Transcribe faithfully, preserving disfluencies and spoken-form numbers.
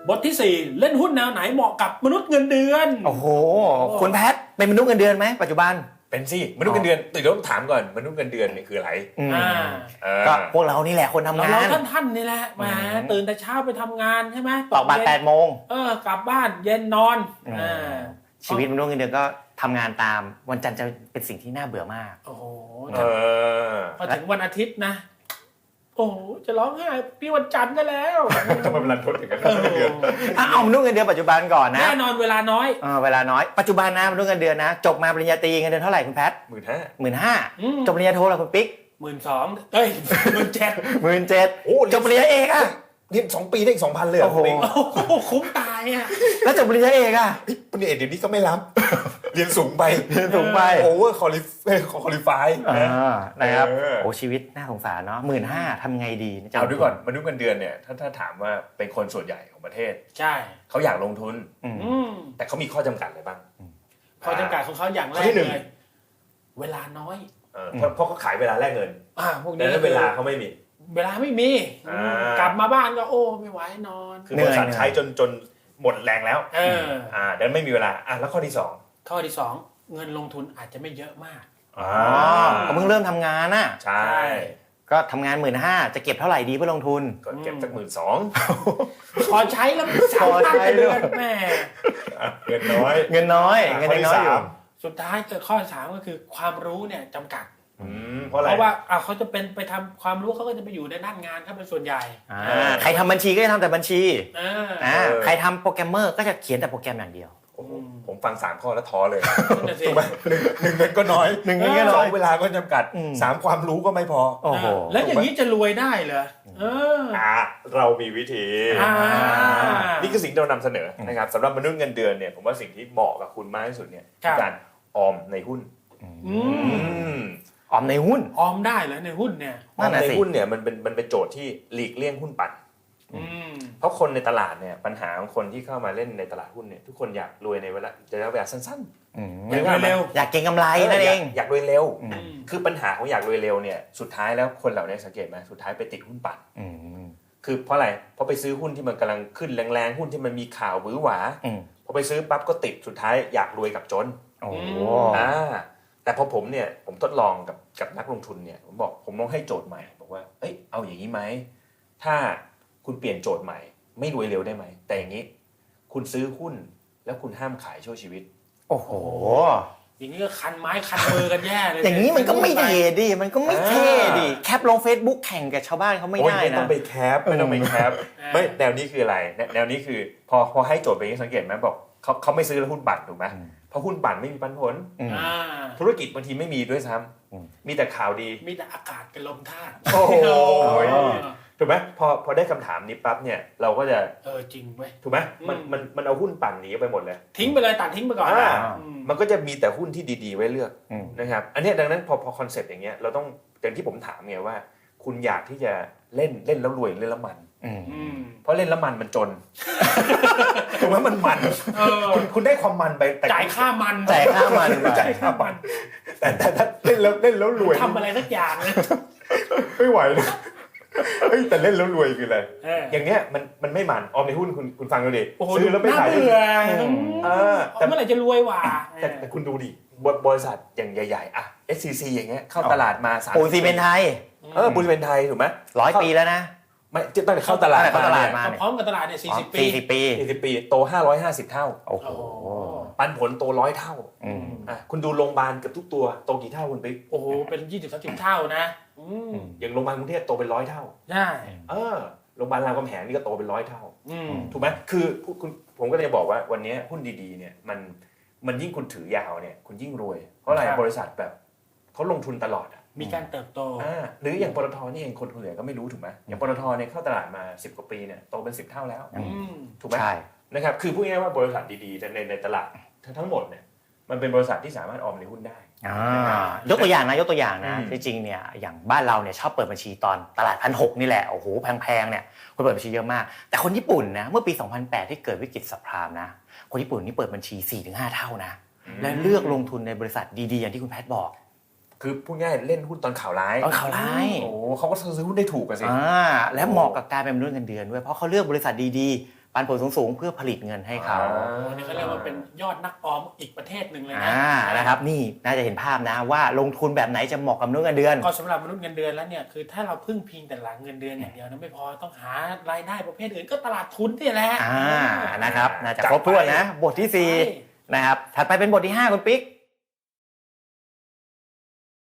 บทที่สี่เล่นหุ้นแนวไหนเหมาะกับมนุษย์เงินเดือนโอ้โหคุณแพทเป็นมนุษย์เงินเดือนไหมปัจจุบันเป็นสิมนุษย์เงินเดือนตื่นต้องถามก่อนมนุษย์เงินเดือนเนี่ยคืออะไรก็พวกเรานี่แหละคนทำงานเราท่านท่านนี่แหละแหมตื่นแต่เช้าไปทำงานใช่ไหมตอกบัตรแปดโมงเออกลับบ้านเย็นนอนชีวิตมนุษย์เงินเดือนก็ทำงานตามวันจันทร์จะเป็นสิ่งที่น่าเบื่อมากโอ้โหพอถึงวันอาทิตย์นะโอ้จะร้องไห้พี่วันจันทร์ก็แล้วทำไมเวลาทดถึงกันเงินเดือนเอามนุษย์เงินเดือนปัจจุบันก่อนนะแน่นอนเวลาน้อยเออเวลาน้อยปัจจุบันนะมนุษย์เงินเดือนนะจบมาปริญญาตรีเงินเดือนเท่าไหร่คุณแพทหมื่นห้าหมื่นห้าจบปริญญาโทแล้วคุณปิ๊กหมื่นสองเอ้ยหมื่นเจ็ดหมื่นเจ็ดจบปริญญาเอกอะเรียนสองปีได้อีกสองพันเลยโอ้โหคุ้มตายอ่ะแล้วจบปริญญาเอกอ่ะปริญญาเอกเดี๋ยวนี้ก็ไม่รับเรียนสูงไปเรียนสูงไปโอเวอร์คอลิฟคอลิฟายนะครับโอ้ชีวิตน่าสงสารเนาะหมื่นห้าทำไงดีเอาด้วยก่อนมนุษย์เงินเดือนเนี่ยถ้าถ้าถามว่าเป็นคนส่วนใหญ่ของประเทศใช่เขาอยากลงทุนแต่เขามีข้อจำกัดอะไรบ้างข้อจำกัดของเขาอย่างแรกเลยเวลาน้อยเพราะเขาขายเวลาแลกเงินอ่าพวกนี้แล้วเวลาเขาไม่มีเวลาไม่มีกลับมาบ้านก็โอ้ไม่ไหวนอนคือบริษัทใช้จนจนหมดแรงแล้วเอออ่าดังนั้นไม่มีเวลาอ่ะแล้วข้อที่สองข้อที่สองเงินลงทุนอาจจะไม่เยอะมากอ๋อเขาเพิ่งเริ่มทำงานน่ะใช่ก็ทำงานหมื่นห้าจะเก็บเท่าไหร่ดีเพื่อลงทุนก็เก็บสักหมื่นสองพอใช้แล้วสามพันเดือนแม่เงินน้อยเงินน้อยเงินน้อยอยู่สุดท้ายเกิดข้อสามก็คือความรู้เนี่ยจำกัดเพราะอะไรเพราะว่าอ่าเขาจะเป็นไปทำความรู้เขาก็จะไปอยู่ในด้านงานเขาเป็นส่วนใหญ่ใครทำบัญชีก็จะทำแต่บัญชีใครทำโปรแกรมเมอร์ก็จะเขียนแต่โปรแกรมอย่างเดียวผมฟังสามข้อแล้วท้อเลยถูกไหมหนึ่งหนึ่งเงินก็น้อยหนึ่งเงินก็น้อยเวลาก็จำกัดสามความรู้ก็ไม่พอโอ้โหแล้วอย่างนี้จะรวยได้เหรอเออเรามีวิธีนี่คือสิ่งที่เรานำเสนอนะครับสำหรับมนุษย์เงินเดือนเนี่ยผมว่าสิ่งที่เหมาะกับคุณมากที่สุดเนี่ยคือการออมในหุ้นออมในหุ้นออมได้เหรอในหุ้นเนี่ยออมในหุ้นเนี่ยมันเป็นมันเป็นโจทย์ที่หลีกเลี่ยงหุ้นปั่นเพราะคนในตลาดเนี่ยปัญหาของคนที่เข้ามาเล่นในตลาดหุ้นเนี่ยทุกคนอยากรวยในเวลาระยะเวลาสั้นๆอยากรวยเร็วอยากเก็งกำไรนั่นเองอยากรวยเร็วคือปัญหาของอยากรวยเร็วเนี่ยสุดท้ายแล้วคนเหล่านี้สังเกตไหมสุดท้ายไปติดหุ้นปั่นคือเพราะอะไรเพราะไปซื้อหุ้นที่มันกำลังขึ้นแรงๆหุ้นที่มันมีข่าวหวือหวาพอไปซื้อปั๊บก็ติดสุดท้ายอยากรวยกับจนอ่าแต่พอผมเนี่ยผมทดลองกับกับนักลงทุนเนี่ยผมบอกผมลองให้โจทย์ใหม่บอกว่าเอ้ยเอาอย่างนี้ไหมถ้าคุณเปลี่ยนโจทย์ใหม่ไม่รวยเร็วได้ไหมแต่อย่างนี้คุณซื้อหุ้นแล้วคุณห้ามขายชั่วชีวิตโอ้โหอย่างนี้ก็คันไม้คันมือกันแย่เลยอย่างนี้มันก็ไม่เท่ดิมันก็ไม่เท่ดิแคปลง Facebook แข่งกับชาวบ้านเขาไม่ได้นะไม่ต้องไปแคปไม่ต้องไปแคปไม่แนวนี้คืออะไรแนวนี้คือพอพอให้โจทย์ไปนี้สังเกตไหมบอกเขาเขาไม่ซื้อหุ้นปั่นถูกไหมเพราะหุ้นปั่นไม่มีปันผลธุรกิจบางทีไม่มีด้วยซ้ำมีแต่ข่าวดีมีแต่อากาศกับลมธาตุโอ้โหถูกไหมพอพอได้คำถามนี้ปั๊บเนี่ยเราก็จะเออจริงเว้ยถูกไหมมันมันมันเอาหุ้นปั่นหนีไปหมดเลยทิ้งไปเลยตัดทิ้งไปก่อนมันก็จะมีแต่หุ้นที่ดีๆไว้เลือกนะครับอันนี้ดังนั้นพอพอคอนเซ็ปต์อย่างเงี้ยเราต้องอย่างที่ผมถามไงว่าคุณอยากที่จะเล่นเล่นแล้วรวยเล่นแล้วมันเพราะเล่นแล้วมันมันจนถูกไหมมันมันคุณคุณได้ความมันไปแต่จ่ายค่ามันจ่ายค่ามันจ่ายค่ามันแต่แต่ถ้าเล่นแล้วเล่นแล้วรวยทำอะไรสักอย่างไม่ไหวนะเฮ้ยแต่เล่นแล้วรวยคืออะไรอย่างเนี้ยมันมันไม่มันออมในหุ้นคุณคุณฟังดูดิซื้อแล้วไม่ขายแต่เมื่อไหร่จะรวยว่ะแต่คุณดูดิบริษัทอย่างใหญ่ๆอ่ะ เอส ซี ซี อย่างเงี้ยเข้าตลาดมาสามปูนซีเมนต์ไทยเออปูนซีเมนต์ไทยถูกไหมร้อยปีแล้วนะไม่ตั้งแต่เข้าตลาดเข้าตลาดมาพร้อมกับตลาดเนี่ยสี่สิบปีสี่สิบปีสี่สิบปีโตห้าร้อยห้าสิบเท่าโอ้โหปันผลโตร้อยเท่าอ่ะคุณดูโรงพยาบาลเกือบทุกตัวโตกี่เท่าคุณปิ๊กโอ้โหเป็นยี่สิบสามสิบเท่านะอย่างโรงพยาบาลกรุงเทพโตเป็นร้อยเท่าใช่เออโรงพยาบาลรามคำแหงนี่ก็โตเป็นร้อยเท่าถูกไหมคือคุณผมก็เลยบอกว่าวันนี้หุ้นดีๆเนี่ยมันมันยิ่งคุณถือยาวเนี่ยคุณยิ่งรวยเพราะอะไรบริษัทแบบเขาลงทุนตลอดอ่ะมีการเติบโตอ่าหรืออย่างปตทนี่เองคนคนเหลือก็ไม่รู้ถูกไหมอย่างปตทเนี่ยเข้าตลาดมาสิบกว่าปีเนี่ยโตเป็นสิบเท่าแล้วถูกไหมใช่นะครับคือพูดง่ายๆว่าบริษัทดีๆในในตลาดทั้งหมดเนี่ยมันเป็นบริษัทที่สามารถออมในหุ้นได้ยกตัวอย่างนะยกตัวอย่างนะจริงๆเนี่ยอย่างบ้านเราเนี่ยชอบเปิดบัญชีตอนตลาดพันหกนี่แหละโอ้โหแพงๆเนี่ยคนเปิดบัญชีเยอะมากแต่คนญี่ปุ่นนะเมื่อปีสองพันแปดที่เกิดวิกฤตซับไพรม์นะคนญี่ปุ่นนี่เปิดบัญชี สี่ถึงห้า เท่านะและเลือกลงทุนในบริษัทดีๆอย่างที่คุณแพทย์บอกคือพูดง่ายเล่นหุ้นตอนข่าวร้ายตอนข่าวร้ายโอ้เขาก็ซื้อหุ้นได้ถูกกันสิอ่าและเหมาะกับการเป็นมนุษย์เงินเดือนด้วยเพราะเขาเลือกบริษัทดีๆปันผลสูงๆเพื่อผลิตเงินให้เขาอันนี้เขาเรียกว่าเป็นยอดนักออมอีกประเทศหนึ่งเลยนะอ่านะครับนี่น่าจะเห็นภาพนะว่าลงทุนแบบไหนจะเหมาะกับมนุษย์เงินเดือนก็สำหรับมนุษย์เงินเดือนแล้วเนี่ยคือถ้าเราพึ่งพิงแต่หลังเงินเดือนอย่างเดียวนะไม่พอต้องหารายได้ประเภทอื่นก็ตลาดทุนนี่แหละอ่านะครับน่าจะครบถ้วนนะบทที่สี่นะครับถัดไปเป็นบทที่ห้าคุณปิ๊ก